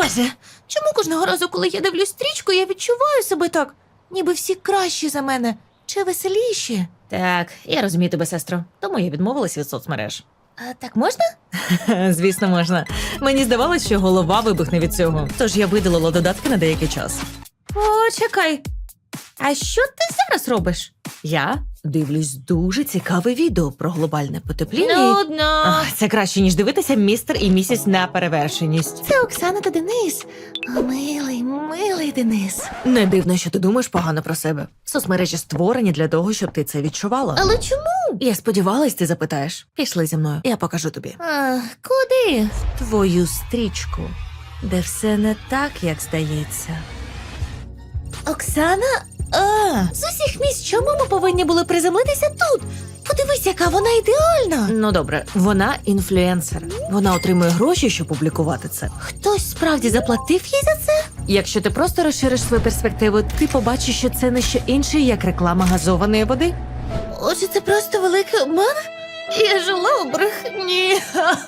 Боже, чому кожного разу, коли я дивлюсь стрічку, я відчуваю себе так, ніби всі кращі за мене, чи веселіші? Так, я розумію тебе, сестро, тому я відмовилась від соцмереж. А так можна? Звісно, можна. Мені здавалось, що голова вибухне від цього, тож я видалила додатки на деякий час. Почекай. А що ти зараз робиш? Я дивлюсь дуже цікаве відео про глобальне потепління. Нудно. Ах, це краще, ніж дивитися містер і місіс на перевершеність. Це Оксана та Денис. Милий, милий Денис. Не дивно, що ти думаєш погано про себе. Соцмережі створені для того, щоб ти це відчувала. Але чому? Я сподівалась, ти запитаєш. Пішли зі мною, я покажу тобі. Куди? Твою стрічку, де все не так, як здається. Оксана? З усіх місць, чому ми повинні були приземлитися тут? Подивись, яка вона ідеальна. Ну добре, вона інфлюенсер. Вона отримує гроші, щоб публікувати це. Хтось справді заплатив їй за це? Якщо ти просто розшириш свою перспективу, ти побачиш, що це не що інше, як реклама газованої води. Отже, це просто великий обман? Я жила у брехні.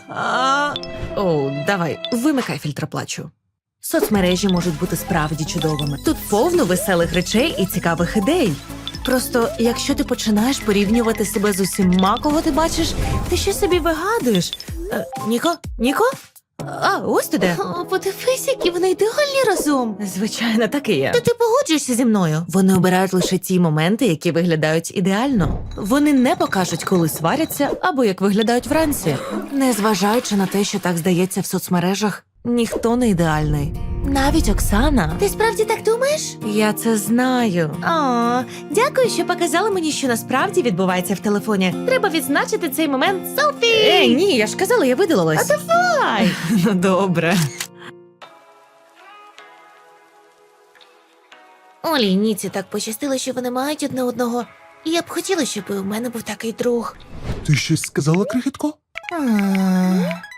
О, давай, вимикай фільтроплачу. Соцмережі можуть бути справді чудовими. Тут повно веселих речей і цікавих ідей. Просто, якщо ти починаєш порівнювати себе з усіма, кого ти бачиш, ти щось собі вигадуєш. Ніко? Ніко? А, ось ти де. О, подивись, які вони ідеальні разом. Звичайно, так і є. Та ти погоджуєшся зі мною? Вони обирають лише ті моменти, які виглядають ідеально. Вони не покажуть, коли сваряться або як виглядають вранці. Незважаючи на те, що так здається в соцмережах, ніхто не ідеальний. Навіть Оксана. Ти справді так думаєш? Я це знаю. О, дякую, що показали мені, що насправді відбувається в телефоні. Треба відзначити цей момент селфі! Ні, я ж казала, я видалилась. А давай! Ну, добре. Олі і Ніці так пощастило, що вони мають одне одного. І я б хотіла, щоб і у мене був такий друг. Ти щось сказала, крихітко? А,